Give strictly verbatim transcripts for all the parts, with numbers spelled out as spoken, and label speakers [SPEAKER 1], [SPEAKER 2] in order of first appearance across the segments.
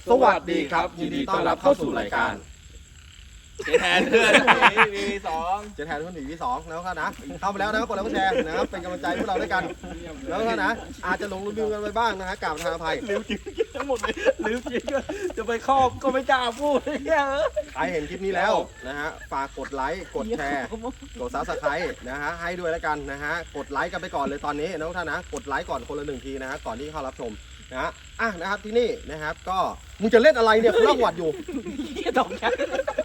[SPEAKER 1] สวัสดีครับยินดีต้อนรับเข้าสู่รายการเจแทนเพื่อนวีสองเจแทนเพื่อนวีสองแล้วครับนะเข้ามาแล้วนะครับกดไลค์กดแชร์นะครับเป็นกำลังใจพวกเราด้วยกันแล้วก็นะอาจจะหลงลืมกันไปบ้างนะฮะกราบทางอภัยลืมจริงทั้งหมดเลยลืมจริงจะไปครอบก็ไม่กล้าพูดเนี่ยใครเห็นคลิปนี้แล้วนะฮะฝากกดไลค์กดแชร์กดซับสไครต์นะฮะให้ด้วยแล้วกันนะฮะกดไลค์กันไปก่อนเลยตอนนี้นะทุกท่านนะกดไลค์ก่อนคนละหนึ่งทีนะฮะก่อนที่เข้ารับชมนะฮะอ่ะนะครับที่นี่นะครับก็มึงจะเล่นอะไรเนี่ยคุณเล่าหวัดอยู่ตกใจ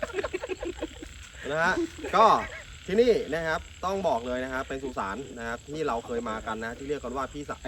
[SPEAKER 1] นะฮะก็ที่นี่นะครับต้องบอกเลยนะครับเป็นสุสานนะครับที่เราเคยมากันนะที่เรียกกันว่าพี่สาว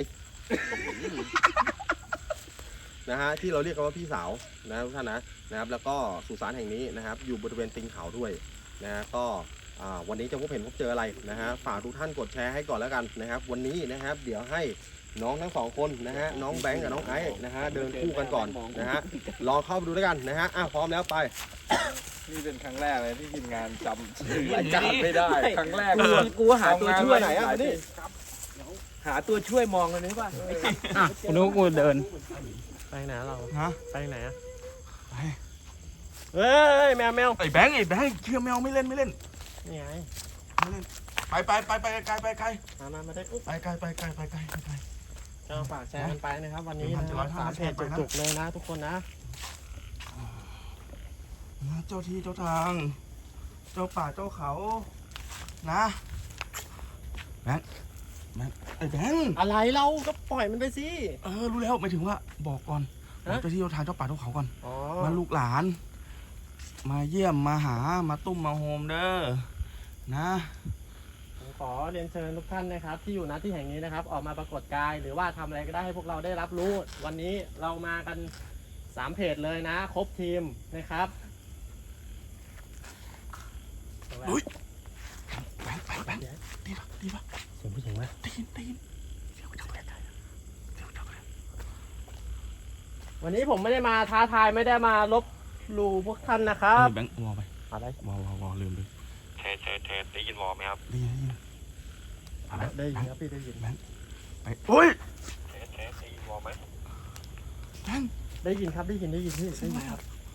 [SPEAKER 1] นะฮะที่เราเรียกกันว่าพี่สาวนะทุกท่านนะนะครับแล้วก็สุสานแห่งนี้นะครับอยู่บริเวณตีนเขาด้วยนะฮะก็วันนี้จะพบเห็นพบเจออะไรนะฮะฝากทุกท่านกดแชร์ให้ก่อนแล้วกันนะครับวันนี้นะครับเดี๋ยวให้น้องทั้งสองคนนะฮะน้องแบงค์กับน้องไอซ์นะฮะเดินคู่กันก่อนนะฮะลองเข้าไปดูด้วยกันนะฮะอ่ะพร้อมแล้วไป
[SPEAKER 2] นี่เป็นครั้งแรกเลยที่ทีมงานจำรายการไม่ได้ครั้งแรก
[SPEAKER 1] กูกูหาตัวช่วยไหนอ่ะนี่หาตัวช่วยมองเลยนี่ป่ะ
[SPEAKER 3] อ่ะกูนึกว่ากูเดิน
[SPEAKER 1] ไปไหนเรา
[SPEAKER 3] ฮะ
[SPEAKER 1] ไปไหนอ่ะ
[SPEAKER 3] ไป
[SPEAKER 1] เฮ้ยแมวแมว
[SPEAKER 3] ไอ้แบงค์ไอ้แบงค์เชื่อแมวไม่เล่นไม่เล่น
[SPEAKER 1] นี่ไง
[SPEAKER 3] ไม่เล่นไปไปไปไปไกลไปไกล
[SPEAKER 1] มามามาได้
[SPEAKER 3] ไปไกลไปไกลไปไกลไปไกล
[SPEAKER 1] ก็ฝากแชร์กันไปนะครับวันนี้นะสามเพจจุกๆเลยนะทุกคนนะ
[SPEAKER 3] เจ้าที่เจ้าทางเจ้าป่าเจ้าเขานะแบงค์แบงค์ไอ้แบงค์
[SPEAKER 1] อะไรเราก็ปล่อยมันไปสิ
[SPEAKER 3] เออรู้แล้วหมายถึงว่าบอกก่อนเจ้าที่เจ้าทางเจ้าป่าเจ้าเขาก่อนมาลูกหลานมาเยี่ยมมาหามาตุ้มมาโฮมเด้อนะ
[SPEAKER 1] ขอเรียนเชิญทุกท่านนะครับที่อยู่ณที่แห่งนี้นะครับออกมาปรากฏกายหรือว่าทำอะไรก็ได้ให้พวกเราได้รับรู้วันนี้เรามากันสามเพจเลยนะครบทีมนะครับ
[SPEAKER 3] อุ้ยแบงค์แบงค์แบงค์ดีป่ะดีป่ะ
[SPEAKER 1] เสียงผู้หญิงไหม
[SPEAKER 3] ได้ยินได้ยินเสียงจับเลยเสียงจับเลย
[SPEAKER 1] วันนี้ผมไม่ได้มาท้าทายไม่ได้มาลบหลู่พวกท่านนะครับ
[SPEAKER 3] แบงค์วอลไป
[SPEAKER 1] อะไร
[SPEAKER 3] วอลวอลวอลลืมเลย
[SPEAKER 2] เทเทเทได้ยินวอลไหมครับ
[SPEAKER 3] ได้ยินได้ยิน
[SPEAKER 1] ได้ยินครับพี่ได้ยิน
[SPEAKER 3] แบงค์ไปโอ้ย
[SPEAKER 2] เทเทได้ยินวอลไหม
[SPEAKER 3] แบงค์
[SPEAKER 1] ได้ยินครับได้ยินได้ยินพี่ได้ยินครับ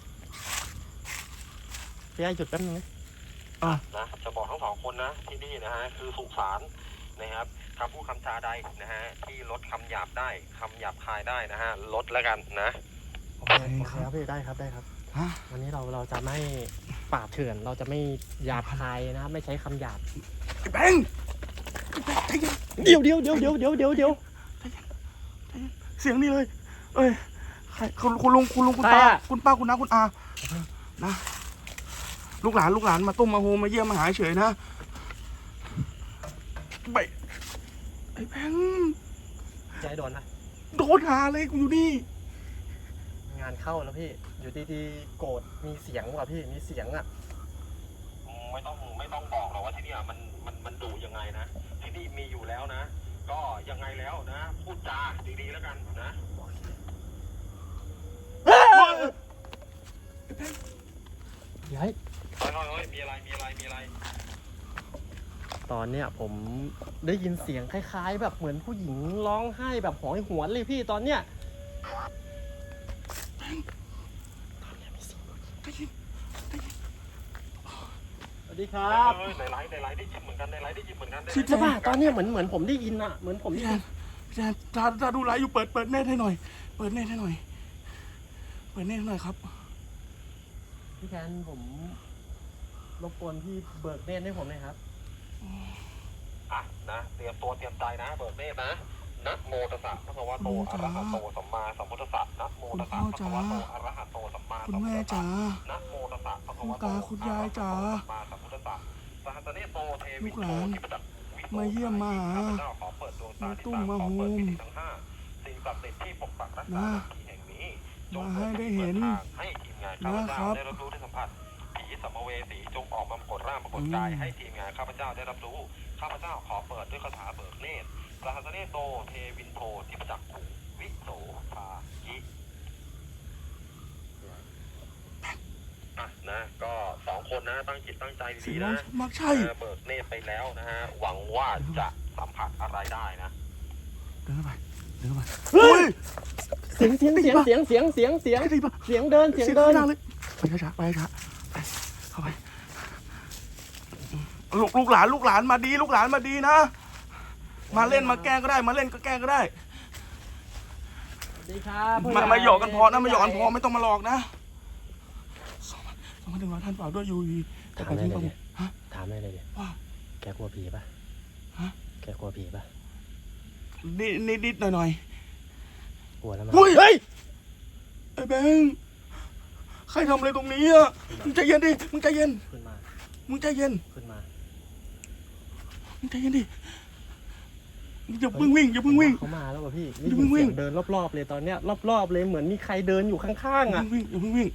[SPEAKER 1] พี่ไอ้หยุดแป๊บนึงนะ
[SPEAKER 2] อ่ะนะจะบอกทั้งสองคนนะที่นี่นะฮะคือสุสานนะครับคำพูดคำจาใดนะฮะที่ลดคำหยาบได้คำหยาบคายได้นะฮะลดแล้วกันนะ
[SPEAKER 1] โอเคครับพี่ได้ครับได้ครับวันนี้เราเราจะไม่ปราบเถื่อนเราจะไม่หยาบคายนะไม่ใช้คำหยาบ
[SPEAKER 3] แบงค์
[SPEAKER 1] เดี๋ยวเดี๋ยวเดี๋ยวเดี๋ยวเดี๋ยวเดี๋ยวเดี๋ยว
[SPEAKER 3] เสียงนี่เลยเอ้ยใครคุณคุณลุงคุณลุงคุณป้าคุณป้าคุณน้าคุณอานะลูกหลานลูกหลานมาตุ้มมาโฮมาเยี่ยมมาหาเฉยนะไปไอ้แบงค์
[SPEAKER 1] ใจโดนนะ
[SPEAKER 3] โดนหาเลยกูอยู่นี่
[SPEAKER 1] งานเข้าแล้วพี่อยู่ดีๆโกรธมีเสียงว่ะพี่มีเสียงอ่ะ
[SPEAKER 2] ไม่ต้องไม่ต้องบอกหรอกว่าที่นี่มันมันมันดุยังไงนะที่นี่มีอยู่แล้วนะก็ยังไงแล้วนะพูดจาดีๆแล้วกันนะ
[SPEAKER 1] ย้าย
[SPEAKER 2] เฮ้ยเฮ้ยมีอะไรมีอะไรมีอะไร
[SPEAKER 1] ตอนเนี้ยผมได้ยินเสียงคล้ายๆแบบเหมือนผู้หญิงร้องไห้แบบหอยหวนเลยพี่ตอนเนี้ยสวัสดีครับ
[SPEAKER 2] ในไลฟ์ในไลฟ์ได้ยินเหมือนกันในไลฟ์ได้ยินเหมือนกัน
[SPEAKER 1] ใช่ป่ะตอนนี้เหมือนเหมือนผมได้ยินอะเหมือนผมได้ยิน
[SPEAKER 3] พี่แจนถ้าถ้าดูไลฟ์อยู่เปิดเปิดเน็ตให้หน่อยเปิดเน็ตให้หน่อยเปิดเน็ตให้หน่อยครับ
[SPEAKER 1] พี่แจนผมรบกวนพี่เบิกเน็ตให้ผมหน่อยครับ
[SPEAKER 2] อ่ะนะเตรียมตัวเตรียมใจนะเบิกเน็ตนะนะโมตัสสะพระวะโตอะระหะโตสัมมาสัมพุทธัสสะนะโมตัสสะพระวะโตอะระหะโตสัมมาสัมพุทธัสสะนะโมตัสสะพระวะโตอะระหะโตสัมมาสัมพุทธัสสะสหัสเนโตเทวิโตทิปตัก
[SPEAKER 3] มาเยี่ยมมาหามาตุ้มมาโฮม
[SPEAKER 2] ทั้งห้าสิ่งศักดิ์สิทธิ์ที่ปกปักรักษาที่แห่งนี้จง
[SPEAKER 3] ให้ได้เห็น
[SPEAKER 2] ให้ทีมงานข้าพเจ้าได้รับรู้ได้สัมผัสผีสัมภเวสีจงออกมาปรากฏร่างปรากฏกายให้ทีมงานข้าพเจ้าได้รับรู้ข้าพเจ้าขอเปิดด้วยคาถาเบิกเนตรสหัสเนโตเทวินโททิปจักขุวิโสภายิอ่ะนะก็สองคนนะตั้งจิตตั้งใจดีๆนะ
[SPEAKER 3] มักใช่
[SPEAKER 2] เบิกเนตรไปแล้วนะฮะหวังว่าจะสัมผัสอะไรได้นะ
[SPEAKER 3] เดินไปเดินไปเฮ้ย
[SPEAKER 4] เสียงเสียงเสียงเสียงเสียงเสียงเสียง
[SPEAKER 3] ได้ปะ
[SPEAKER 4] เสียงเดินเสียง
[SPEAKER 3] เสียง
[SPEAKER 4] เดิน
[SPEAKER 3] ข้างหน้าเลยไปช้าๆไปช้าๆไปเข้าไปลูกลูกหลานลูกหลานมาดี ลูกหลานมาดีนะ มาเล่นมาแกล้งก็ได้ มาเล่นก็แกล้งก็ได้
[SPEAKER 4] สวัสดีครับ
[SPEAKER 3] มามาหยอกกันพอนะมาหยอกกันพอไม่ต้องมาหลอกนะสองพันสองพันหนึ่งร้อยท่านเปล่าด้วยยูวีแต่
[SPEAKER 4] ถาม
[SPEAKER 3] ไป
[SPEAKER 4] ได้
[SPEAKER 3] ทิ้ง
[SPEAKER 4] เล
[SPEAKER 3] ปะ
[SPEAKER 4] ย
[SPEAKER 3] ฮะ
[SPEAKER 4] ถามได้เลยเนี่ย
[SPEAKER 3] ว่า
[SPEAKER 4] แกกลัวผีปะ
[SPEAKER 3] ฮะ
[SPEAKER 4] แกกลัวผีปะ
[SPEAKER 3] นิดนิดนิดหน่อยหน่อย
[SPEAKER 4] กลัวแล้วมั้ย
[SPEAKER 3] เฮ้ยเฮ้ยไอ้แบงค์ใครทำอะไรตรงนี้อ่ะมึงใจเย็นดิมึงใจเย็น
[SPEAKER 4] ขึ้นมา
[SPEAKER 3] มึงใจเย็น
[SPEAKER 4] ขึ้นมา
[SPEAKER 3] มึงใจเย็นดิอย่าเพิ่งวิ่งอย่าเพิ่งวิ่ง
[SPEAKER 4] เขามาแล้วป่ะพี่
[SPEAKER 3] อย่าเพิ่งวิ่ง
[SPEAKER 4] เสียเดินรอบๆเลยตอนเนี้ยรอบๆเลยเหมือนมีใครเดินอยู่ข้างๆ
[SPEAKER 3] อย่า
[SPEAKER 4] อ่ะ
[SPEAKER 3] เพิ่งวิ่งอย่าเพิ่งวิ่ง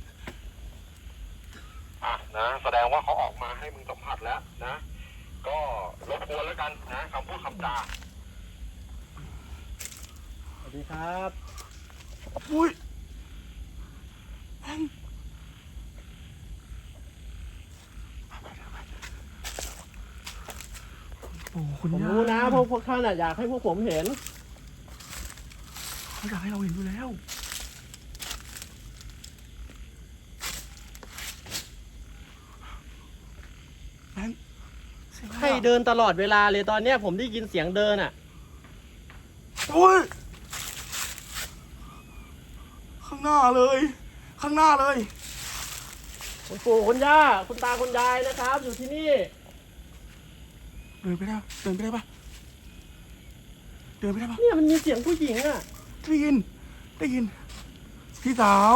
[SPEAKER 2] อ่ะนะแสดงว่าเขาออกมาให้มึงสัมผัสแล้วนะ ก็รบกวนแล้วกันนะคำพูดคำจา
[SPEAKER 4] สวัสดีครับ
[SPEAKER 3] อุ้ยแบงค์โอ้คุณ
[SPEAKER 4] ผม
[SPEAKER 3] ย่า
[SPEAKER 4] รู้นะพวกพวกท่านอะอยากให้พวกผมเห็น
[SPEAKER 3] เขาอยากให้เราเห็นอยู่แล้วแบงค์เสียงอะไร
[SPEAKER 4] ให้
[SPEAKER 3] อะ
[SPEAKER 4] เดินตลอดเวลาเลยตอนเนี้ยผมได้ยินเสียงเดินอ่ะ
[SPEAKER 3] โอ้ยข้างหน้าเลย ข้างหน้าเลย
[SPEAKER 4] คุณปู่คุณย่าคุณตาคุณยายนะครับ อยู่ที่นี่
[SPEAKER 3] เดินไปได้ปะเดินไปได้ปะเดินไปได้ปะ
[SPEAKER 4] เนี่ยมันมีเสียงผู้หญิงอ่ะ
[SPEAKER 3] ได้ยิน ได้ยิน พี่สาว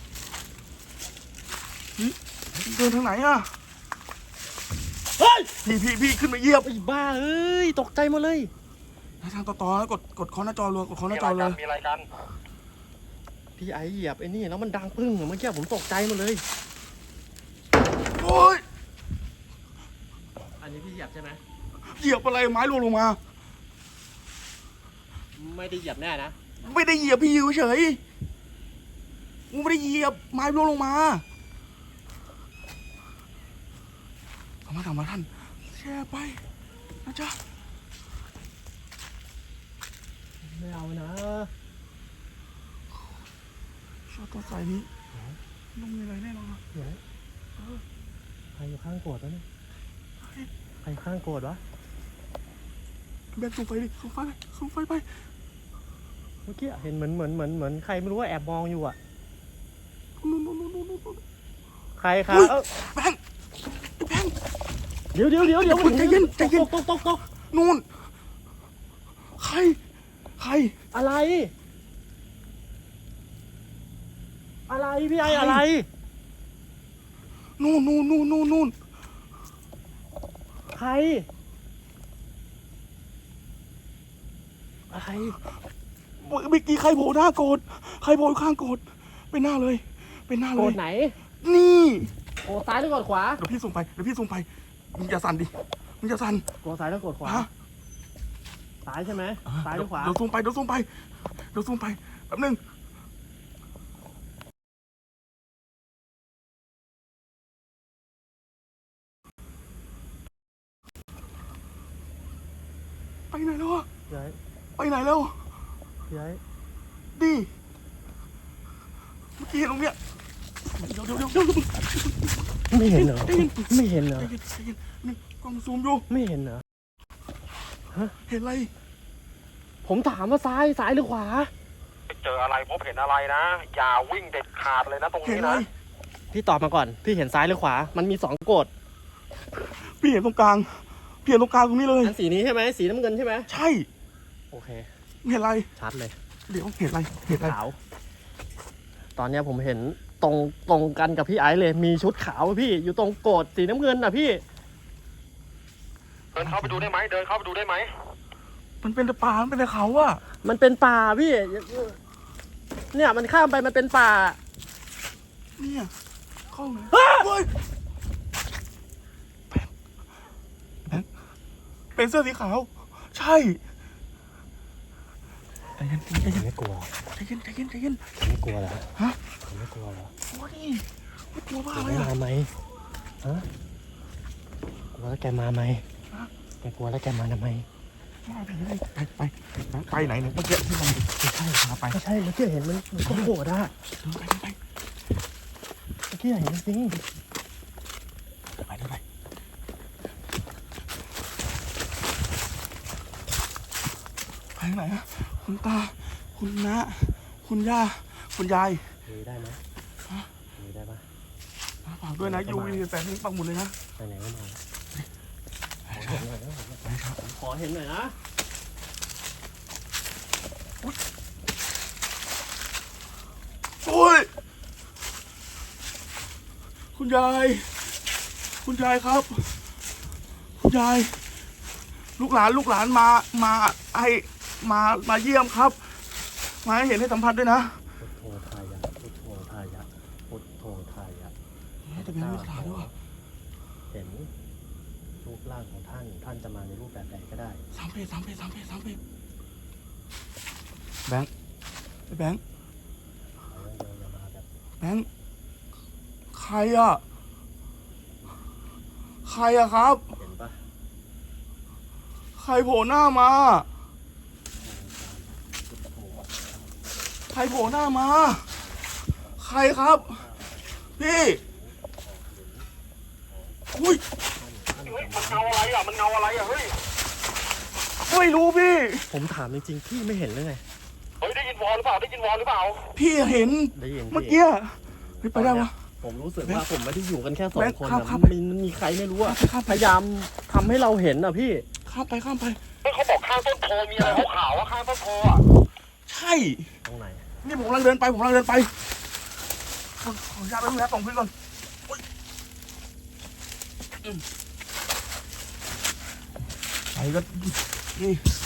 [SPEAKER 3] เฮ้ยเดินทางไหนอะ
[SPEAKER 4] เฮ้ย
[SPEAKER 3] พี่พี่พี่ขึ้นมาเหยียบ
[SPEAKER 4] ไอ้บ้าเอ้ยตกใจหมดเลย
[SPEAKER 3] ทางต่อต่อแล้วกดกดคอนหน้าจอรัวกดคอนห
[SPEAKER 2] มี
[SPEAKER 3] น้า
[SPEAKER 2] อะ
[SPEAKER 3] จ
[SPEAKER 2] ไร
[SPEAKER 3] อ
[SPEAKER 2] กั
[SPEAKER 3] เล
[SPEAKER 2] น
[SPEAKER 3] ย
[SPEAKER 2] มีอะไรกัน
[SPEAKER 4] พี่ไอเหยียบไอ้นี่แล้วมันดังปึ้งอะเมื่อกี้ผมตกใจหมดเลย
[SPEAKER 3] โอ้ย
[SPEAKER 4] อันนี้พี่เหยียบใช่ไหม
[SPEAKER 3] เหยียบอะไรไม้ร่วงลงมา
[SPEAKER 4] ไม่ได้เหยียบแน่นะ
[SPEAKER 3] ไม่ได้เหยียบพี่อยู่เฉยกูไม่ได้เหยียบไม้ร่วงลงมาทำมาทำมาท่านแช่ไปนะจ๊ะ
[SPEAKER 4] ไม่เอานะ
[SPEAKER 3] ชอบตัวใส่นี้ต้องมีอะไรแน่นอน
[SPEAKER 4] เดี๋ยวใครอยู่ข้างโกรธวะเนี่ยใครอยู่ข้างโกรธวะ
[SPEAKER 3] แบนสูงไฟดิสูงไฟไปสูงไฟไป
[SPEAKER 4] เมื่อกี้เห็นเหมือนเหมือนเหมือนเหมือนใครไม่รู้ว่าแอบมองอยู่อ่ะ
[SPEAKER 3] นู่นนู่นนู่นนู่นนู่น
[SPEAKER 4] ใครครับ
[SPEAKER 3] อุ๊ย
[SPEAKER 4] เอ้า
[SPEAKER 3] แบงค์แบงค์
[SPEAKER 4] เดี๋ยวเดี๋ยวเดี๋ยวเดี๋ยว
[SPEAKER 3] ใจเย็นใจเย็น
[SPEAKER 4] ตกตกตกตก
[SPEAKER 3] นู่นใครใคร
[SPEAKER 4] อะไร อะไรพี่ไออะไร
[SPEAKER 3] นู่นนู่นนู่นนู่นนู่น
[SPEAKER 4] ใคร อะไร
[SPEAKER 3] เมื่อกี้ใครโผล่หน้าโกรธใครโผล่ข้างโกรธเป็นหน้าเลย เป็นหน้า
[SPEAKER 4] โก
[SPEAKER 3] เล
[SPEAKER 4] ร
[SPEAKER 3] ย
[SPEAKER 4] ธไหน
[SPEAKER 3] นี่
[SPEAKER 4] โกรธซ้ายหรือโกรธขวา
[SPEAKER 3] เดี๋ยวพี่ส่งไปเดี๋ยวพี่ส่งไปมึงอย่าสั่นดิมึงอย่าสั่น
[SPEAKER 4] โกรธซ้ายหรือโกรธขวา
[SPEAKER 3] ฮะ
[SPEAKER 4] ซ้ายใช่ไหมซ้ายหรือขวา
[SPEAKER 3] เดี๋ยวส่งไปเดี๋ยวส่งไปเดี๋ยวส่งไปแป๊บนึงไปไหนแล้วอะ
[SPEAKER 4] พี่ไอ
[SPEAKER 3] ไปไหนแล้ว
[SPEAKER 4] พี่ไอ
[SPEAKER 3] ดิเมื่อกี้เห็นตรงเนี้ยเดี๋ยวเดี๋ยวเดี๋ยวเดี๋ยว
[SPEAKER 4] ไม่เห็นเหรอ
[SPEAKER 3] ได้ยิน
[SPEAKER 4] ไม่เห็นเหรอ
[SPEAKER 3] ใจเย็นใจเย็นนี่กล้องซูมอยู่
[SPEAKER 4] ไม่เห็นเหรอ
[SPEAKER 3] เห็นอะไร
[SPEAKER 4] ผมถามว่าซ้ายซ้ายหรือขวา
[SPEAKER 2] เจออะไรพบเห็นอะไรนะ อย่าวิ่งเด็ดขาดเลยนะตรง
[SPEAKER 3] เห็น
[SPEAKER 2] นี้
[SPEAKER 3] อะไร
[SPEAKER 2] นะ
[SPEAKER 4] พี่ตอบมาก่อน พี่เห็นซ้ายหรือขวา มันมีสองโกรธ
[SPEAKER 3] พี่เห็นตรงกลางพี่เห็นตรงกลางตรงนี้เลย
[SPEAKER 4] อันสีนี้ใช่ไหมสีน้ำเงินใช่ไหม
[SPEAKER 3] ใช่
[SPEAKER 4] โอเค
[SPEAKER 3] เห็นอะไร
[SPEAKER 4] ชัดเลย
[SPEAKER 3] เดี๋ยวเห็นอะไรเห็นอะไร
[SPEAKER 4] ขาว ตอนเนี้ยผมเห็นตรงตรงกันกับพี่ไอซ์เลย มีชุดขาวอะพี่ อยู่ตรงโกรธสีน้ำเงินน่ะพี่
[SPEAKER 2] เดินเข้าไปดูได้ไหมเดินเข้าไปดูได้ไหม
[SPEAKER 3] มันเป็นแต่ป่ามันเป็นแต่เขาอะ
[SPEAKER 4] มันเป็นป่าพี่ เนี่ยมันข้ามไปมันเป็นป่า
[SPEAKER 3] เนี่ยเข้าไหนเฮ้ยแบงค์แบงค์เป็นเสื้อสีขาว ใช่ใจเย็นใจเย็น
[SPEAKER 4] ไม่กลัว
[SPEAKER 3] ใจเย็นใจเย็นใจเย็น
[SPEAKER 4] ไม่กลัวเหรอ
[SPEAKER 3] ฮะ
[SPEAKER 4] ไม่กลัวเหรอ
[SPEAKER 3] โอ้ยไม่กลัวบ้า
[SPEAKER 4] แก
[SPEAKER 3] อะไร
[SPEAKER 4] ไม่
[SPEAKER 3] อะ
[SPEAKER 4] มาไหมฮะ กลัวแล้วแกมาไหม
[SPEAKER 3] ฮะ
[SPEAKER 4] แกกลัวแล้วแกมาทำไม
[SPEAKER 3] ไปไปไปไหนเนี่ยเมื่อกี้ที่มันไม่ใช่พาไป
[SPEAKER 4] ไม่ใช่เมื่อกี้เห็นมันมันก็โกรธอะ
[SPEAKER 3] ไปไป
[SPEAKER 4] เมื่อกี้เห็นจริง
[SPEAKER 3] ไปไปไปไปไหนอะคุณตาคุณน้าคุณย่าคุณยาย
[SPEAKER 4] มีได้ไหมมีได้ปะ
[SPEAKER 3] ฝากด้วยนะยูวีแฟนนี่ปักหมุดเลยนะ
[SPEAKER 4] ไปไหนก็มา
[SPEAKER 3] ไปครับ
[SPEAKER 4] ขอเห็นหน่อยนะ
[SPEAKER 3] โอ้ยคุณยายคุณยายครับ คุณยายลูกหลานลูกหลานมามาให้มามาเยี่ยมครับ มาให้เห็นให้สัมผัสด้วยนะ
[SPEAKER 4] พุทโธทายะพุทโธทายะพุทโธทายะ
[SPEAKER 3] แต่เป็นลูกหลานด้วย
[SPEAKER 4] เห็นรูปร่างของท่านท่านจะมาในรูปแบบใดก็ได้
[SPEAKER 3] สามเพจสามเพจสามเพจสามเพจแบงค์ไอ้แบงค์
[SPEAKER 4] ขออย่างเดียวอย่ามาแบบ
[SPEAKER 3] แบงค์ใครอ่ะใครอ่ะครับ
[SPEAKER 4] เห็นปะ
[SPEAKER 3] ใครโผล่หน้ามา
[SPEAKER 4] พุทโธ
[SPEAKER 3] ใครโผล่หน้ามา ใครครับ พี่อุ้ย
[SPEAKER 2] เฮ้ยมันเงาอะไรอ่ะมันเงาอะไรอ่ะเฮ้ย
[SPEAKER 3] ไม่รู้พี่
[SPEAKER 4] ผมถามจริงๆพี่ไม่เห็นเลยไง
[SPEAKER 2] เฮ้ยได้ยินวอลหรือเปล่าได้ยินวอลหรือเปล่า
[SPEAKER 3] พี่เห็น
[SPEAKER 4] ได้ยิน
[SPEAKER 3] เมื่อ
[SPEAKER 4] พี่
[SPEAKER 3] กี้เฮ้ยไปได้ปะ
[SPEAKER 4] ผมรู้สึกว่าผมไม่ได้อยู่กันแค่สอ
[SPEAKER 3] แบ
[SPEAKER 4] ง
[SPEAKER 3] งค์
[SPEAKER 4] คน
[SPEAKER 3] ครับ
[SPEAKER 4] อะ
[SPEAKER 3] ครับ
[SPEAKER 4] มีมีใครไม่รู้อะ
[SPEAKER 3] ข้ามไป
[SPEAKER 4] พยายามทำให้เราเห็นอะพี่
[SPEAKER 3] ข้ามไปข้ามไป
[SPEAKER 2] เฮ้ยเขาบอกข้างต้นโพมีอะไรขาวๆอ่ะข้างต้นโพอ่ะ
[SPEAKER 3] ใช่
[SPEAKER 4] ตรงไหน
[SPEAKER 3] นี่ผมกำลังเดินไปผมกำลังเดินไปขอขออนุญาตแป๊บนึงนะส่งพื้นก่อนโอ๊ยอืมไปก็นี่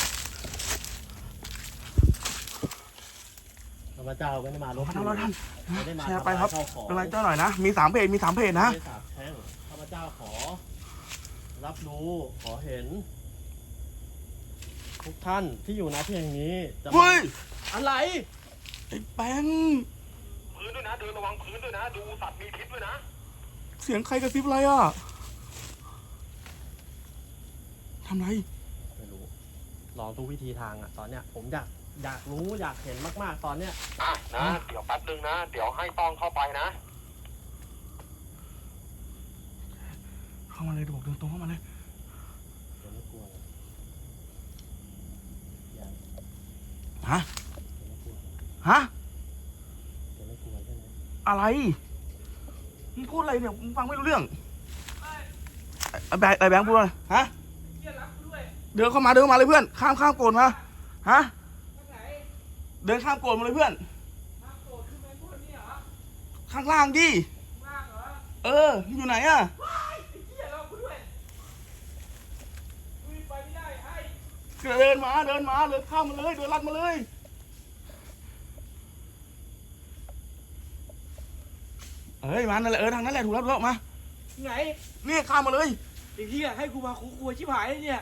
[SPEAKER 4] พระเจ้าไม่ได้มาลบ
[SPEAKER 3] ขอโทษท่าน
[SPEAKER 4] ไม่ได้มา
[SPEAKER 3] แชร์ไปครับ
[SPEAKER 4] ทำลายข้าวของ
[SPEAKER 3] เป็นไรเจ้าหน่อยนะ มีสามเพจมีสามเพจนะ
[SPEAKER 4] ไม่ได้สาบแช่งข้าพเจ้าขอ รับรู้ขอเห็น ทุกท่านที่อยู่ณที่แห่งนี้จะมา
[SPEAKER 3] เฮ้ย
[SPEAKER 4] อะไร
[SPEAKER 3] ไอ้แบงค์
[SPEAKER 2] พื้นด้วยนะเดินระวังพื้นด้วยนะดูสัตว์มีพิษด้วยนะ
[SPEAKER 3] เสียงใครกระซิบอะไรอ่ะทำไร
[SPEAKER 4] ไม่รู้ ลองทุกวิธีทางอะตอนเนี้ย ผมอยากอยากรู้อยากเห็นมากๆตอนเนี้ย
[SPEAKER 2] อ่ะนะเดี๋ยวแป๊บนึงนะเดี๋ยวให้ต้องเข้าไปนะ
[SPEAKER 3] เข้ามาเลยเดี๋ยวบอกเดินตรงเข้ามาเลย
[SPEAKER 4] เดี๋ยวไม่กลัวเลยอย่า
[SPEAKER 3] ฮะ
[SPEAKER 4] เดี๋ยวไม่กลัวเลย
[SPEAKER 3] ฮะ
[SPEAKER 4] เดี๋ยวไม่กลัวใช่ไหม
[SPEAKER 3] อะไรมึงพูดอะไรเนี่ยมึงฟังไม่รู้เรื่องไอ้แบงค์ไอ้แบงค์พูดอะไรฮะเดินเข้ามาเดินเข้ามาเลยเพื่อน ข้ามข้ามโกรธมาฮะเดินข้ามโกรธมาเลยเพื่อนข้างล่างดิเอออยู่ไหนอะเดินมาเดินมาเลยข้ามมาเลยเดินลัดมาเลยเอ้ยมานั่นแหละเออทางนั้นแหละถูกแล้วถูกแล้วมา
[SPEAKER 5] ไหน
[SPEAKER 3] นี่ข้ามมาเลย
[SPEAKER 5] ไอ้เหี้ยให้กูมาคุกครัวชิบหายเลยเนี่ย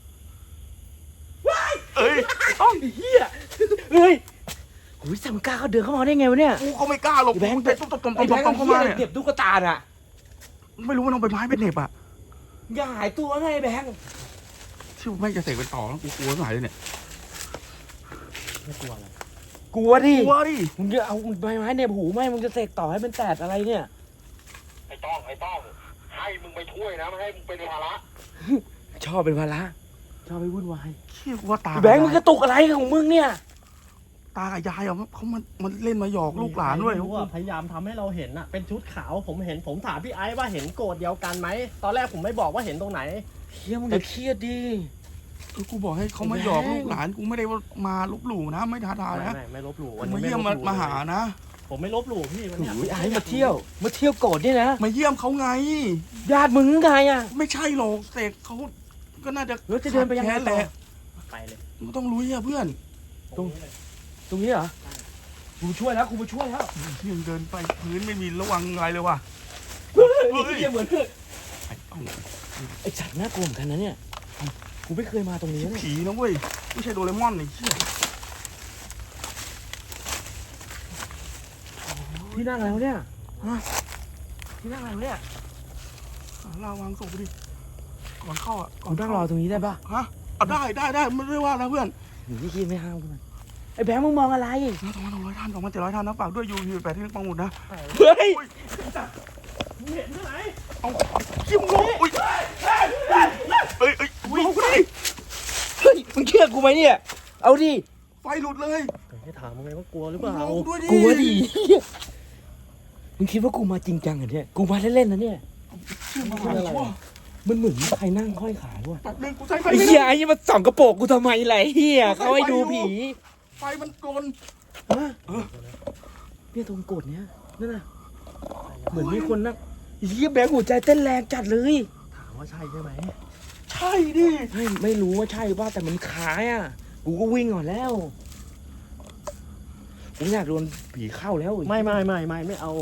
[SPEAKER 3] เอ้ย
[SPEAKER 5] ต้องไอ้เหี้ยเฮ้ยโอ้ยแต่มึงกล้าเขาเดินเข้ามาได้ไงวะเนี่ย
[SPEAKER 3] กูก็ไม่กล้าหรอก
[SPEAKER 5] ไอ้แบงค์
[SPEAKER 3] กูเตะตุ๊บตุ๊บตุ๊บ
[SPEAKER 5] ไอ้
[SPEAKER 3] ตุ๊บ
[SPEAKER 5] แบงค์
[SPEAKER 3] ตุ๊บ
[SPEAKER 5] ไอ้
[SPEAKER 3] เข้า
[SPEAKER 5] เหี้ย
[SPEAKER 3] มา
[SPEAKER 5] อะไร
[SPEAKER 3] เนี่ย
[SPEAKER 5] เก็บตุ๊กตาน่ะ
[SPEAKER 3] ไม่รู้ว่าน้องใบไม้เป็นเหน็บอ่ะ
[SPEAKER 5] อย่าหายตัวไงไอ้แบงค์
[SPEAKER 3] ที่ไม่จะเสกเป็นต่อแล้วกูกลัวสายเลยเนี่ย
[SPEAKER 4] ไม่กลัวอะไร
[SPEAKER 5] กลัวดิ
[SPEAKER 3] กลัวดิ
[SPEAKER 5] มึงจะเอาใบไม้ในหูไหมมึงจะเสกต่อให้มันแตกอะไรเนี่ย
[SPEAKER 2] ไอ้ต้องไอ้ต้องให้มึงไปช่วยนะไม่ให้มึงเป็นภาระ
[SPEAKER 5] ชอบเป็นภาระชอบไปวุ่นวาย
[SPEAKER 3] เชี่ยกูว่าตา
[SPEAKER 5] ไอ้แบงค์มึงกระตุกอะไรของมึงเนี่ย
[SPEAKER 3] ตากับยายอ่ะเขามามันเล่นมาหยอกลูกหลานด้วย
[SPEAKER 4] ไม่รู้อะพยายามทำให้เราเห็นอะเป็นชุดขาวผมเห็นผมถามพี่ไอ้ว่าเห็นโกรธเดียวกันไหมตอนแรกผมไม่บอกว่าเห็นตรงไหน
[SPEAKER 5] เฮียมึงอย่าเครียดดิ
[SPEAKER 3] เออกูบอกให้เขามาหยอกลูกหลานกูไม่ได้ว่ามาลบหลู่นะไม่ท้าทาย
[SPEAKER 4] ไม่
[SPEAKER 3] นะ
[SPEAKER 4] ไม่ไม่ลบหลู่
[SPEAKER 3] กู
[SPEAKER 4] วัน
[SPEAKER 3] มา
[SPEAKER 4] นี้ไม่
[SPEAKER 3] เยี่ยม
[SPEAKER 4] ล
[SPEAKER 3] มา
[SPEAKER 4] บหลู่
[SPEAKER 3] มาหานะ
[SPEAKER 4] ผมไม่ลบหลู่พี่วันเนี้ย
[SPEAKER 5] โอ้ยไอ้มาเที่ยว มาเที่ยวโกรธเนี่ยนะ
[SPEAKER 3] มาเยี่ยมเขาไง
[SPEAKER 5] ญาติมึงไงอ่ะ
[SPEAKER 3] ไม่ใช่หรอกเสกเขาก็น่าจะ
[SPEAKER 5] แล้วจะเดินไปยังไง
[SPEAKER 3] แค้น
[SPEAKER 5] ต่
[SPEAKER 3] แห
[SPEAKER 5] อ
[SPEAKER 3] ละ
[SPEAKER 4] ไปเลย
[SPEAKER 3] มึงต้องรู้อ่ะเพื่อน
[SPEAKER 5] ตรง ตรงนี้เหรอกูช่วยแล้วกูมาช่วยแล้ว
[SPEAKER 3] ที่ยังเดินไปพื้นไม่มีระวังอะไรเลยว่ะ
[SPEAKER 5] เฮ้ย
[SPEAKER 3] เฮ้ย
[SPEAKER 5] เฮียเหมือน
[SPEAKER 3] ไอ้เอ้า
[SPEAKER 5] ไอ้สัตว์น่ากลัวเหมือนกันนะเนี่ยกูไม่เคยมาตรงนี้เนี่ย
[SPEAKER 3] ผีนะเว้ยไม่ใช่โดเรมอนไอ้เชี่ย
[SPEAKER 5] ที่นั่งอะไรวะเนี่ยฮะที่นั่งอะไรวะเนี่ย
[SPEAKER 3] หาลาวางศพไปดิก่อนเข้าอ่ะก่อ
[SPEAKER 5] กู
[SPEAKER 3] น
[SPEAKER 5] นั่ง
[SPEAKER 3] เข้าร
[SPEAKER 5] อตรงนี้ได้ปะ
[SPEAKER 3] ฮะเอาได้ได้ได้ไม่ได้ว่านะเพื่อน
[SPEAKER 5] หนีที่ไม่ห้ามกูมันไอ้แบงค์มึงมองอะไร
[SPEAKER 3] นะสองพันสองร้อยท่านสองพันเจ็ดร้อยท่านนะฝากด้วยยูยูแปดที่ปังหมุดนะ
[SPEAKER 5] เฮ้ย
[SPEAKER 4] มึงเห็นที่ไหน
[SPEAKER 3] เอาจิ้มงงอุ้ยเอ้ยเอ้ยงงกูดิ
[SPEAKER 5] เฮ้ยมึงเชื่อกูไหมเนี่ย เอาดิ
[SPEAKER 3] ไฟหลุดเลย
[SPEAKER 4] ให้ถามมึงไงว่ากลัวหรือเปล่า
[SPEAKER 3] งงด้วยดิ
[SPEAKER 5] กลัวดิมึงคิดว่ากูมาจริงจังเหรอเนี่ยกูมาเล่นๆนะเนี่ย
[SPEAKER 3] เชื่อมาอะไรวะ
[SPEAKER 5] มันเหมือนมีใครนั่งห้อยขาด้วย
[SPEAKER 3] แป๊บนึงกูใช้ไฟ
[SPEAKER 5] ไอ้
[SPEAKER 3] ไม่
[SPEAKER 5] เหี้ย
[SPEAKER 3] ได้
[SPEAKER 5] ไอ้นี่มาส่องกระโปรงกูทำไมล่ะไอ้เหี้ยเขาให้ดูผี
[SPEAKER 3] ไฟมันกลน
[SPEAKER 5] ฮะเนี่ยตรงกดเนี้ยนั่นน่ะเหมือนมีคนนั่งไอ้เหี้ยแบงค์หัวใจเต้นแรงจัดเลย
[SPEAKER 4] ถามว่าใช่ใช่ไหม
[SPEAKER 3] ใช่ดิ
[SPEAKER 5] ไม่ไม่รู้ว่าใช่ว่าแต่มันคล้ายอ่ะกูก็วิ่งก่อนแล้วกูอยากโดนผีเข้าแล้ว
[SPEAKER 4] ไม่ไม่ไม่ไม่ไม่เอา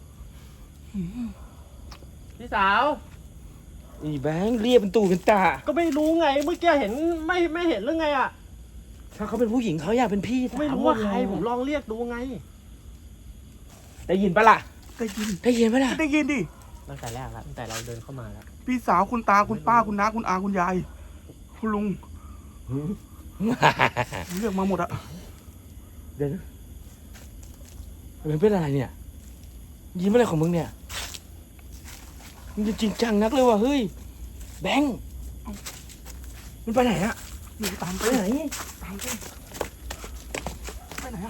[SPEAKER 4] พี่สาว
[SPEAKER 5] ไอ้แบงค์เรียกเป็นตูเป็นตา
[SPEAKER 4] ก็ไม่รู้ไงเมื่อกี้เห็นไม่ไม่เห็นหรือไงอ่ะ
[SPEAKER 5] ถ้าเขาเป็นผู้หญิงเขาอยากเป็นพี่ส
[SPEAKER 4] ไม่รู้ว่าใครผมลองเรียกดูไง
[SPEAKER 5] ได้ยินปะล่ะ
[SPEAKER 3] ได้ยิน
[SPEAKER 5] ได้ยินปะล่ะ
[SPEAKER 3] ได้ยินดิ
[SPEAKER 4] ตั้งแต่แรกแล้วตั้งแต่เราเดินเข้ามาแล้ว
[SPEAKER 3] พี่สาวคุณตาคุณป้าคุณน้าคุณอาคุณยายคุณลุงเรียกมาหมดอะ
[SPEAKER 5] เดี๋ยวนะมันเป็นอะไรเนี่ย ยิ้มอะไรของมึงเนี่ยมึงจะจริงจังนักเลยว่ะเฮ้ยแบงค์มันไปไหนอะ
[SPEAKER 3] อยู่ตาม
[SPEAKER 5] ไป
[SPEAKER 3] ไป
[SPEAKER 5] ไหน
[SPEAKER 3] ตามไปไปไหนอะ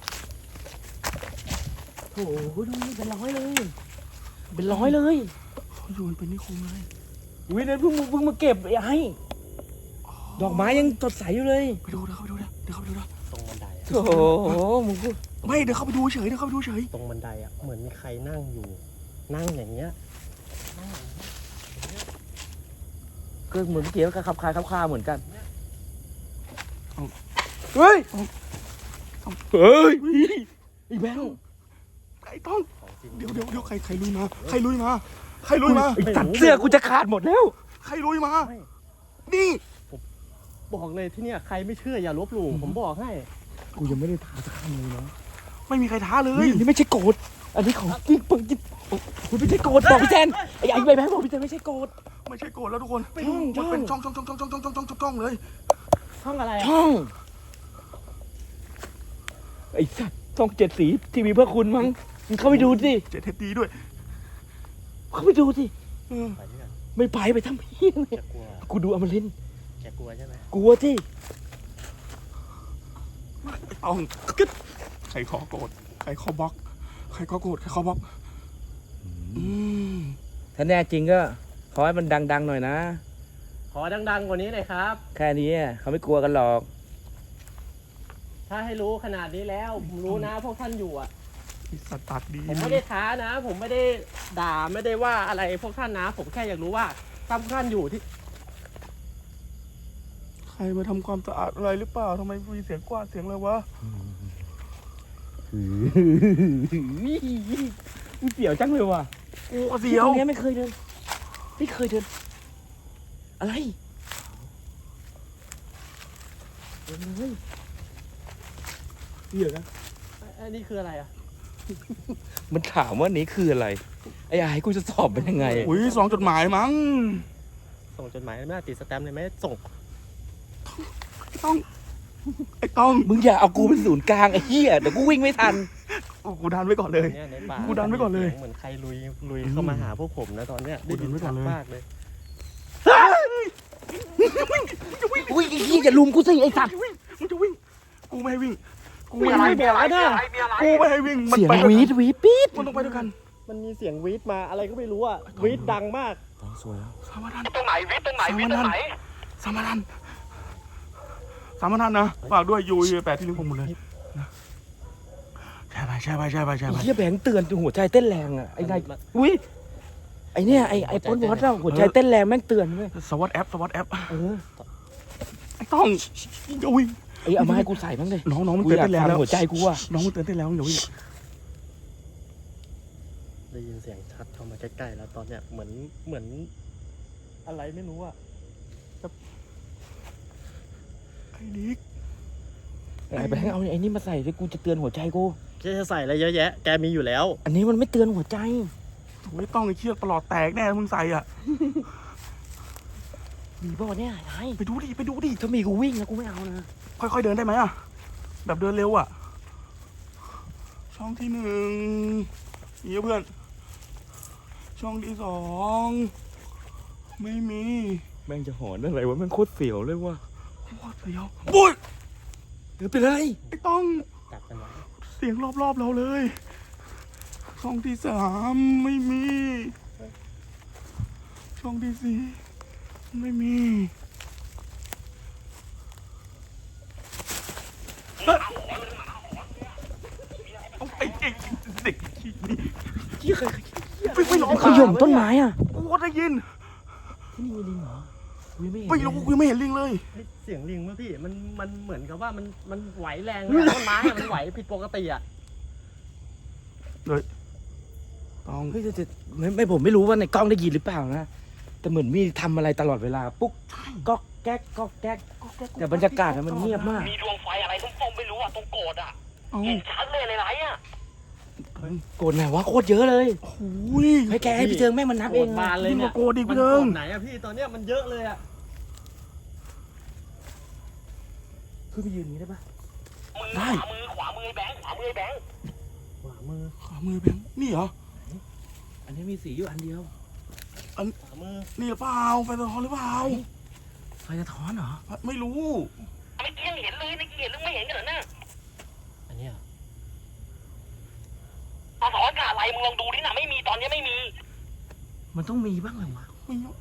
[SPEAKER 5] โอ้โหดูนี่เป็นร้อยเลยเป็นร้อยเลย
[SPEAKER 3] เขาอยู่กันเป็นนิคมเลย
[SPEAKER 5] วินั้นเพิ่งเพิ่งมาเก็บไอ้ดอกไม้ยังสดใสอยู่เลย
[SPEAKER 3] ไปดูเดี๋ยวเข้าไปดูเดี๋ยวเดี๋ยวเข้าไปดูเดี๋ยว
[SPEAKER 4] ตรงบันไดอะ
[SPEAKER 5] โอ้โหมึงพูด
[SPEAKER 3] ไม่เดี๋ยวเข้าไปดูเฉยเดี๋ยวเข้าไปดูเฉย
[SPEAKER 4] ตรงบันไดอ่ะเหมือนมีใครนั่งอยู่ นั่งอย่างเงี้ย
[SPEAKER 5] ก็เหมือนเมื่อกี้ก็ขับคายขับคาเหมือนกันเฮ้ยเฮ้ยไอ้แบงค์
[SPEAKER 3] ไอ้ต้อง
[SPEAKER 4] ของจริง
[SPEAKER 3] เดี๋ยวเดี๋ยวเดี๋ยวใครใครลุยมาใครลุยมาใครลุยมา
[SPEAKER 5] ไอ้ตัดเสื้อกูจะขาดหมดแล้ว
[SPEAKER 3] ใครลุยมานี่
[SPEAKER 4] บอกเลยที่เนี่ยใครไม่เชื่ออย่าลบหลู่ผมบอกให้
[SPEAKER 5] กูยังไม่ได้ทาสักคำเลยนะ
[SPEAKER 3] ไม่มีใครท้าเล
[SPEAKER 5] เฮ้
[SPEAKER 3] ย
[SPEAKER 5] ยนี่ไม่ใช่โกรธอันนี้ของจริงปึงจริงคุณไม่ใช่โกรธบอกพี่แจนไอ้ไอ้ใบแบงค์บอกพี่แจนไม่ใช่โกรธ
[SPEAKER 3] ไม่ใช่โกรธแล้วทุกคน
[SPEAKER 5] ช่อง
[SPEAKER 3] มันเป็น
[SPEAKER 5] ช่
[SPEAKER 3] ช่
[SPEAKER 5] อ
[SPEAKER 3] อง งช่องช่องช่องช่องช่องช่องช่องช่องเลย
[SPEAKER 4] ช่องอะไรอะ
[SPEAKER 5] ช่องไอ้สัตว์ช่องเจ็ดสีทีวีเพื่อคุณมั้งมึงเข้าไปดูสิ
[SPEAKER 3] เจ็ดเทปดีด้วย
[SPEAKER 5] เข้าไปดูสิ
[SPEAKER 3] เออ
[SPEAKER 4] ไปด้วยกัน
[SPEAKER 5] ไม่ไปไปทำเพี้ยน
[SPEAKER 4] จะกลัว
[SPEAKER 5] กูดูอมรินทร์
[SPEAKER 4] แกกลัวใช่ไหม
[SPEAKER 5] กลัวที่
[SPEAKER 3] เอาใครขอโกรธใครขอบล็อกใครขอโกรธใครขอบล็อกอืม
[SPEAKER 5] ถ้าแน่จริงก็ขอให้มันดังๆหน่อยนะ
[SPEAKER 4] ขอดังๆกว่านี้หน่อยครับ
[SPEAKER 5] แค่นี้เขาไม่กลัวกันหรอก
[SPEAKER 4] ถ้าให้รู้ขนาดนี้แล้วผมรู้นะพวกท่านอยู่อ่ะ
[SPEAKER 3] ไอ้สัตว์ปากดี
[SPEAKER 4] ผมไม่ได้ท้านะ ผมไม่ได้ด่าไม่ได้ว่าอะไรพวกท่านนะ ผมแค่อยากรู้ว่าถ้าพวกท่านอยู่ที่
[SPEAKER 3] ใครมาทำความสะอาดอะไรหรือเปล่าทำไมมีเสียงกวาดเสียงอะไรวะ
[SPEAKER 5] มึงเสียวจังเลยว่ะ
[SPEAKER 3] โอ้เสียว
[SPEAKER 5] ตรงนี้ไม่เคยเดินไม่เคยเดิน อะไรเดินเลยเหี้ยนะ
[SPEAKER 4] อันนี้คืออะไรอ่ะ
[SPEAKER 5] มันถามว่านี้คืออะไร ไอ้ไอ้กูจะสอบเป็นยังไง
[SPEAKER 3] อุ้ยสองจดหมายมั้ง
[SPEAKER 4] ส่งจดหมายไม่ได้ติดสแตมป์เลยไหมส่ง
[SPEAKER 3] ไอ้ต้องไอ้ต้อง
[SPEAKER 5] มึงอย่าเอากูเป็นศูนย์กลางไอ้เหี้ยเดี๋ยวกูวิ่งไม่ทัน
[SPEAKER 3] โอ้กูดันไว้ก่อนเลย
[SPEAKER 4] เนี่ยในป่า
[SPEAKER 3] กูดันไว้ก่อนเลย
[SPEAKER 4] เหมือนใครลุยลุยเข้ามาหาพวกผมนะตอนเนี้ยได้ยิน
[SPEAKER 3] กูดั
[SPEAKER 4] ชั
[SPEAKER 3] น
[SPEAKER 4] ด
[SPEAKER 3] ไว้ก่อนเลย
[SPEAKER 4] มากเลย
[SPEAKER 5] อุ้ยไอ้เหี้ยอย่าลุมกูสิไอ้สัตว์
[SPEAKER 3] มึงจะวิ่งกูไม่ให้วิ่งกู
[SPEAKER 4] ไม่
[SPEAKER 3] ไม่
[SPEAKER 4] ได้
[SPEAKER 3] ให้
[SPEAKER 4] บอกนะ
[SPEAKER 3] กูไม่ให้วิ่งมัน
[SPEAKER 5] เสียง
[SPEAKER 3] ไปด้วย
[SPEAKER 5] วี
[SPEAKER 3] กัน
[SPEAKER 5] ดวีดปี๊ด
[SPEAKER 3] มันต้องไปด้วยกัน
[SPEAKER 4] มันมีเสียงวีดมาอะไรก็ไม่รู้อ่ะวีดดังมาก
[SPEAKER 5] ต้องสวยแล้ว
[SPEAKER 3] สามนัน
[SPEAKER 2] ตรงไหนวิทย์ตรงไหนวิทย์ตรงไหน
[SPEAKER 3] สามนันสามนันนะฝากด้วยยูแปดที่ลิงก์ผมหมดเลยนะใช่ไปใช่ไปใช่ไปใช่
[SPEAKER 5] ไอ้
[SPEAKER 3] ไป
[SPEAKER 5] เหี้ยแบงค์เตือนจนหัวใจเต้นแรงอ่ะไอ้นายอุ้ยไอ้เนี่ยไอ้ไอ้ปนวัดเราหัวใจเต้นแรงแม่งเตือนเว้ย
[SPEAKER 3] สวัสดแอปสวัสดแอป
[SPEAKER 5] เออ
[SPEAKER 3] ไอ้ต้องอย่าวิ่ง
[SPEAKER 5] ไอ้เอามาให้กูใส่บ้างเลย
[SPEAKER 3] น้องน้องมัน
[SPEAKER 5] กู
[SPEAKER 3] เตือน
[SPEAKER 5] อยาก
[SPEAKER 3] เต้นแรง
[SPEAKER 5] ฟัง
[SPEAKER 3] แล้ว
[SPEAKER 5] หัวใจกูอ่ะ
[SPEAKER 3] น้องมันเตือนเต้นแรงอย่าวิ่ง
[SPEAKER 4] ได้ยินเสียงชัดเข้ามาใกล้ๆแล้วตอนเนี้ยเหมือนเหมือนอะไรไม่รู้อ่ะ
[SPEAKER 3] ไอ้นิก
[SPEAKER 5] ไอ้แบงค์เอาไอ้นี่มาใส่ด้วยกูจะเตือนหัวใจกู
[SPEAKER 4] แกจะใส่อะไรเยอะแยะแกมีอยู่แล้ว
[SPEAKER 5] อันนี้มันไม่เตือนหัวใจ
[SPEAKER 3] ไม่ต้องไอ้เชือกประหลอดแตกแน่มึงใส่อ่ะ
[SPEAKER 5] มีป่าวเนี่ยไอ้
[SPEAKER 3] ไปดูดิไปดูดิ
[SPEAKER 5] ถ้ามีกูวิ่งนะกูไม่เอานะ
[SPEAKER 3] ค่อยๆเดินได้ไหมอะแบบเดินเร็วอะช่องที่หนึ่งนี่เพื่อน ช่องที่สองไม่มี
[SPEAKER 5] แม่งจะหอนอะไรวะแม่งโคตรเสียวเลยว่ะ
[SPEAKER 3] โคตรเสียวปุ้ย
[SPEAKER 5] เดี๋ยวเป็นไร
[SPEAKER 3] ไอ้ต้อง
[SPEAKER 4] จับกันไว้
[SPEAKER 3] เสียงรอบๆเราเลย ช่องที่สามไม่มี ช่องที่สี่ไม่มีเอ้ยเอาไอ้ไอ้เด็กขี้นี่
[SPEAKER 5] เหี้ยใคร
[SPEAKER 3] ไม่ไม่ร้อง
[SPEAKER 5] ขย่มต้นไม้อ่ะ
[SPEAKER 3] กูก็ได้ยิน
[SPEAKER 5] ที่นี่มีลิงเหรอกูยังไม่เห็น
[SPEAKER 3] ไม่รู้กูยังไม่เห็นลิงเลย
[SPEAKER 4] เฮ้ยเสียงลิงวะพี่มันมันเหมือนกับว่ามันมันไหวแรงเลยอะต้นไม้อะมันไหวผิดปกติอ่ะ
[SPEAKER 3] ต้อง
[SPEAKER 5] เฮ้ยแต่แต่ไม่ไม่ผมไม่รู้ว่าในกล้องได้ยินหรือเปล่านะแต่เหมือนมีทำอะไรตลอดเวลาปุ๊กก๊อกแก๊กก๊อกแก๊กแต่บรรยากาศอะมันเงียบมาก
[SPEAKER 2] มีดวงไฟอะไรส้มๆไม่รู้อ่ะตรงโกดอ่ะ
[SPEAKER 3] เอา
[SPEAKER 2] เห็นชัดเลยในไลฟ์อ่ะ
[SPEAKER 5] โกรธไหนวะโคตรเยอะเลย
[SPEAKER 3] โอ้ย
[SPEAKER 5] ให้แกให้พี่เจิงแม่งมันนับ
[SPEAKER 4] โกร
[SPEAKER 5] เอ
[SPEAKER 4] ธ
[SPEAKER 5] ง
[SPEAKER 4] บานเลย
[SPEAKER 3] ยิ่งก
[SPEAKER 4] เนี่
[SPEAKER 3] ว่าย โกรธอีก
[SPEAKER 4] มัน
[SPEAKER 3] เดิ
[SPEAKER 4] โกร
[SPEAKER 3] ม
[SPEAKER 4] ธไหนอะพี่ตอนเนี้ยมันเยอะเลยอะ
[SPEAKER 5] ขึ้นไปยืนอย่างนี้ได้ปะ
[SPEAKER 2] มือ
[SPEAKER 3] ได้
[SPEAKER 2] ขวามือขวามือไอ้แบงค์ขวามือไอ้แบงค์
[SPEAKER 4] ขวามือ
[SPEAKER 3] ขวามือแบงค์นี่เหรอ
[SPEAKER 5] อันนี้มีสีอยู่อันเดียว
[SPEAKER 4] ขวามือ
[SPEAKER 3] นี่หรือเปล่าไฟสะท้อนหรือเปล่า
[SPEAKER 5] ไฟสะท้อนเหรอ
[SPEAKER 3] ไม่รู้
[SPEAKER 2] ไม่เกี้ยงเห็นเลยไม่เกี้ยงเห็นหรือไม่เห็นกันเหรอเนี่ย
[SPEAKER 4] อันเนี้ย
[SPEAKER 2] สะท้อนกับอะไรมึงลองดูดินะไม่มีตอนนี้ไม่มี
[SPEAKER 5] มันต้องมีบ้างเลยวะ
[SPEAKER 3] ไม่รู้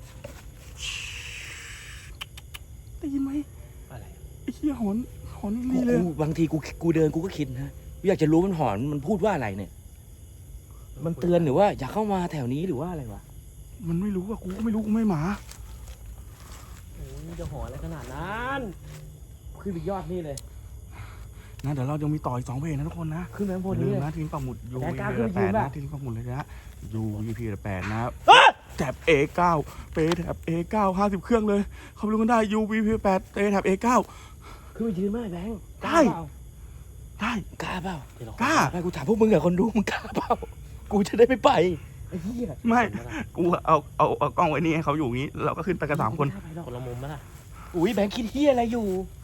[SPEAKER 3] ได้ยินไหม
[SPEAKER 4] อะไร
[SPEAKER 3] ไอ้เหี้ยหอนหอน
[SPEAKER 5] กู
[SPEAKER 3] นี่เลย
[SPEAKER 5] กูบางทีกูกูเดินกูก็คิดนะกูอยากจะรู้มันหอนมันพูดว่าอะไรเนี่ย มันเตือนหรือว่าอยากเข้ามาแถวนี้หรือว่าอะไรวะ
[SPEAKER 3] มันไม่รู้ว่ากูก็ไม่รู้กูไม่หมา
[SPEAKER 4] โอ้ยจะหอนอะไรขนาดนั้น
[SPEAKER 5] ขึ้นไปยอดนี่เลย
[SPEAKER 3] นะเดี๋ยวเรายังมีต่ออีกสองเพลงนะทุกคนนะ
[SPEAKER 5] ขึ้นไปข้างบน
[SPEAKER 3] ลื
[SPEAKER 5] นี้
[SPEAKER 3] ม
[SPEAKER 5] เลย
[SPEAKER 3] นะทีมปักหมุดยู
[SPEAKER 5] แล้
[SPEAKER 3] วี
[SPEAKER 5] วกล้า
[SPEAKER 3] พี
[SPEAKER 5] ขึ้นไปยื
[SPEAKER 3] แป
[SPEAKER 5] น
[SPEAKER 3] ด
[SPEAKER 5] ป่ะ
[SPEAKER 3] นะทีมปักหมุดเลยนะยูวีพีแปดนะครับแถบ เอ เก้า เปแถบ เอ เก้า ห้าสิบเครื่องเลยเขาไปดูกันได้ ยู วี พี แปด เปแถบ เอ เก้า
[SPEAKER 5] ขึ้นไปยืนไหมแบงค์
[SPEAKER 3] ได้ ได้
[SPEAKER 5] กล้าเปล่าก
[SPEAKER 3] ล้า
[SPEAKER 5] ไม่กูถามพวกมึงเหรอคนดูมึงกล้าเปล่ากูจะได้ไม่ไปไอ้เหี้ย
[SPEAKER 3] ไม่กูเอาเอาเอากล้องไว้นี่ให้เขาอยู่อย่างนี้เราก็ขึ้นไปกันสามคน
[SPEAKER 5] ไได้ไปหรอก
[SPEAKER 4] คนละมุมไหมล่ะ
[SPEAKER 5] อุ้ยแบงค์คิดเหี้ยอะไรอยู่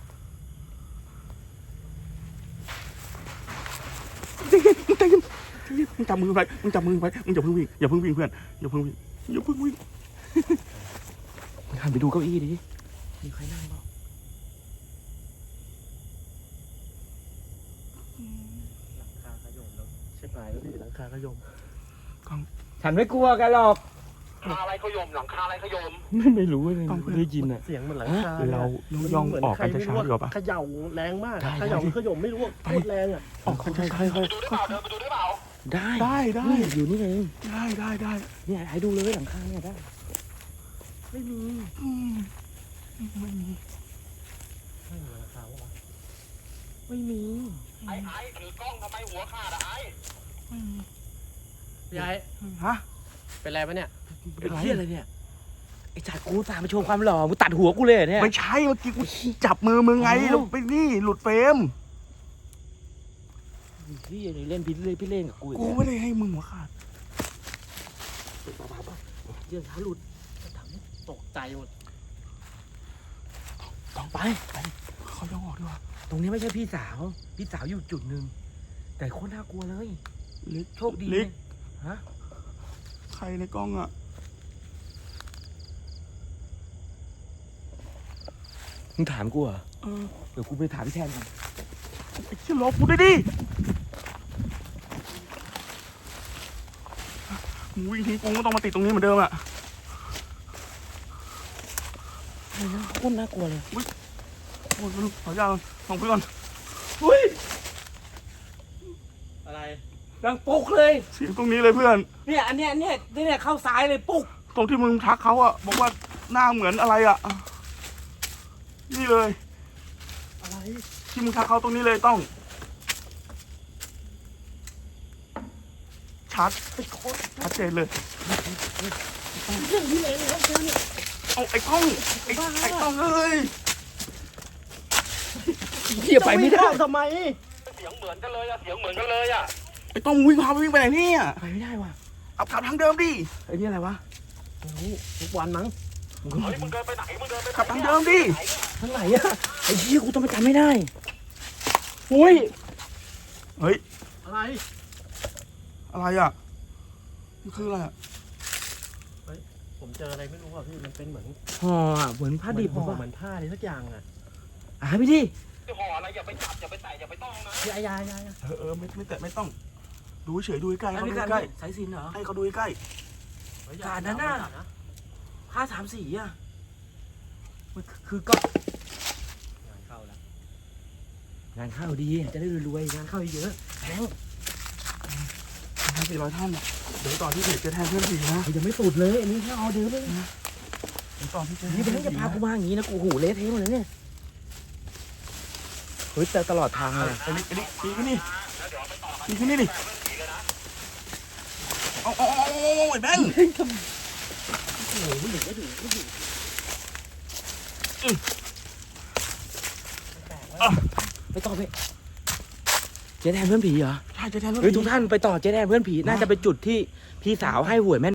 [SPEAKER 3] มึงใจเย็นใจเย็นมึงจับมือไว้มึงจับมือไว้มึงอย่าเพิ่งวิ่งอย่าเพิ่งวิ่งเพื่อนอย่าเพิ่งวิ่งอย่าเพิ่งวิ่ง
[SPEAKER 5] มึงหันไปดูเก้าอี้ดิมีใครนั่งเปล่า
[SPEAKER 4] หลังคาขยมแล้วใช่ไหมพี่หลังคาขยม
[SPEAKER 5] ฉันไม่กลัวกันหรอก
[SPEAKER 2] หลังคาอะไรขยมหลังคาอะไรขยม
[SPEAKER 5] ไม่ไม่รู้เลยไม่ได้ยินอ่ะ
[SPEAKER 4] เสียงเหมือนหลังคา
[SPEAKER 3] เรา
[SPEAKER 4] นี่ย
[SPEAKER 3] ย่อง
[SPEAKER 4] เหมืน
[SPEAKER 3] ออกกัน
[SPEAKER 4] ใคร
[SPEAKER 3] ช้าๆดีกว่าปะ
[SPEAKER 4] เขย่าแรงมาก
[SPEAKER 5] ได้
[SPEAKER 4] เขย่า
[SPEAKER 5] ได้
[SPEAKER 4] ขยมไม่รู้ว่าโคตรแรงอ่ะ
[SPEAKER 3] ออกกันช้า
[SPEAKER 5] ค่อย
[SPEAKER 2] ไปดูได้เปล่าเดินไปดูได้เปล่า
[SPEAKER 5] ๆได้
[SPEAKER 3] ๆได้ได้
[SPEAKER 5] นี่อยู่นี่เอง
[SPEAKER 3] ได้ได้ได้
[SPEAKER 5] เนี่ยไอ้ดูเลยหลังคาเนี่ยได้
[SPEAKER 4] ไม่มี
[SPEAKER 3] อืมไม่มี
[SPEAKER 4] ไม่มีหลังคาวะ
[SPEAKER 5] ไม่มี
[SPEAKER 2] ไอ้ไอ้ถือกล้องทำไมหัวขาดอะไอ้
[SPEAKER 3] ไม่มี
[SPEAKER 4] พี่ไอ้
[SPEAKER 3] ฮะ
[SPEAKER 4] เป็นไรปะเนี่ย
[SPEAKER 5] เป็นเหี้ยอะไรเนี่ยไอ้จัดกูตามไปโชว์ความหล่อมึงตัดหัวกูเลยเหรอเนี่ย
[SPEAKER 3] ไม่ใช่เมื่อกี้กูจับมือมึงไง
[SPEAKER 5] อ๋อ
[SPEAKER 3] แล้วไปนี่หลุดเฟรม
[SPEAKER 5] พี่เล่นพี่เล่นพี่เล่นกับกู
[SPEAKER 3] กูไม่ได้ให้มึงหัวขาด
[SPEAKER 5] เยื่อขาหลุด
[SPEAKER 4] ตกใจหมด
[SPEAKER 5] ต้องไป
[SPEAKER 3] เขาย่องออกดีกว่า
[SPEAKER 5] ตรงนี้ไม่ใช่พี่สาว พี่สาวอยู่จุดหนึ่งแต่โคตรน่ากลัวเลย
[SPEAKER 3] ลิก
[SPEAKER 5] โชคดี
[SPEAKER 3] ลิก
[SPEAKER 5] ฮะ
[SPEAKER 3] ใครในกล้องอ่ะ
[SPEAKER 5] มึงถามกูเหรอ
[SPEAKER 3] เออ
[SPEAKER 5] เดี๋ยวกูไปถามพี่แทนก่อน
[SPEAKER 3] ไอ้เชี่ยรอกูได้ดิมึงวิ่งทิ้งกูก็ต้องมาติดตรงนี้เหมือนเดิมอ่ะ
[SPEAKER 5] อะไรนะโคตรน่ากลัวเลย
[SPEAKER 3] โอ้ยไม่รู้ขอยาวส่องไปก่อน
[SPEAKER 5] อุ้ย
[SPEAKER 4] อะไร
[SPEAKER 5] ดังปุ๊กเลย
[SPEAKER 3] เสียงตรงนี้เลยเพื่อน
[SPEAKER 5] เนี่ยอันเนี้ยอันเนี้ยเนี่ยเข้าซ้ายเลยปุ๊ก
[SPEAKER 3] ตรงที่มึงทักเขาอ่ะบอกว่าหน้าเหมือนอะไรอ่ะ นี่เลย
[SPEAKER 4] อะไร
[SPEAKER 3] ที่มึงทักเขาตรงนี้เลยต้อง ชัดชัดเจนเลย
[SPEAKER 4] เรื่องที่ไหนเลยครับเจ้าเนี่ย
[SPEAKER 3] เอาไอ้กล้องไอ้ไอ้กล้องเอ้ย
[SPEAKER 5] เหี้ยไปไม่ได้
[SPEAKER 4] ทำไม
[SPEAKER 2] เสียงเหมือนกันเลยอะเสียงเหมือนกันเลยอะ
[SPEAKER 3] ไอ้กล้องมึงวิ่งพาไปวิ่งไปไหนเนี่ย
[SPEAKER 5] ไปไม่ได้ว่ะ
[SPEAKER 3] เอากลับทางเดิมดิ
[SPEAKER 5] ไอ้นี่อะไรวะ
[SPEAKER 4] ไม่รู้ทุกวันมั้ง
[SPEAKER 2] เฮ้ยมึงเดินไปไหนมึงเดินไปไหน
[SPEAKER 3] กลับทางเดิมดิ
[SPEAKER 5] ทางไหนอะไอ้เหี้ยกูต้องไปจำไม่ได้อุ้ย
[SPEAKER 3] เฮ้ย
[SPEAKER 4] อะไร
[SPEAKER 3] อะไรอ่ะมันคืออะไรอ่ะ
[SPEAKER 4] ผมเจออะไรไม่รู้อ่ะพี่มันเป็นเหมือน
[SPEAKER 5] ห่ออะเหมือนผ้าดิบ
[SPEAKER 4] เหมือนห่อ
[SPEAKER 5] ป่ะ
[SPEAKER 4] เหมือนผ้าอะไรสักอย่างอ่ะ
[SPEAKER 5] อ่ะพี่ดิ
[SPEAKER 2] จะห่ออะไรอย่าไปจับอย่าไปแตะอย่าไปต้องนะ
[SPEAKER 4] พี่อายายาย
[SPEAKER 3] เออเออไม่ไม่แต่ไม่ต้อง ดูเฉยดูใกล้ๆ
[SPEAKER 5] อัน
[SPEAKER 3] เขา
[SPEAKER 5] นี้
[SPEAKER 3] ดู
[SPEAKER 5] การ
[SPEAKER 3] ใกล้
[SPEAKER 5] สายสิญจนเหรอ
[SPEAKER 3] ๆให้เขาดูใกล้
[SPEAKER 5] การนั้นน่ะ ผ้าสามสีอะมันคือก็
[SPEAKER 4] งานเข้าแล้ว
[SPEAKER 5] งานเข้าดีจะได้รวยๆงานเข้าเยอะแบงค์
[SPEAKER 3] ๆสี่ร้อยท่านอ่ะเดี๋ยวต่อที่เพจเจะแทนเพื่อนผีนะ
[SPEAKER 5] ยังไม่สุดเลยอันนี้แค่ออเดิร์ฟเลย
[SPEAKER 3] เดี๋ยวต่อที่เจะ
[SPEAKER 5] นี่แบงค์จะพากูมาอย่างนี้นะกูโอ้โหเละเทะหมดเลยเนี่ยเฮ้ยแต่ตลอดทางเลย
[SPEAKER 3] ไอ้นี่ไอ้นี่ปีขึ้นนี่ปีขึ้นนี่ดิเอาเอาเอาเอาเอาไอ้แบงค์
[SPEAKER 5] ไปต่อไปเจ๊แทนเพื่อนผีเหรอ
[SPEAKER 3] ใช่เจะแทนเพื่อน
[SPEAKER 5] เฮ้ย
[SPEAKER 3] ผี
[SPEAKER 5] ทุกท่านไปต่อเจ๊แทนเพื่อนผีน่าจะเป็นจุดที่พี่สาวให้หวยแม่น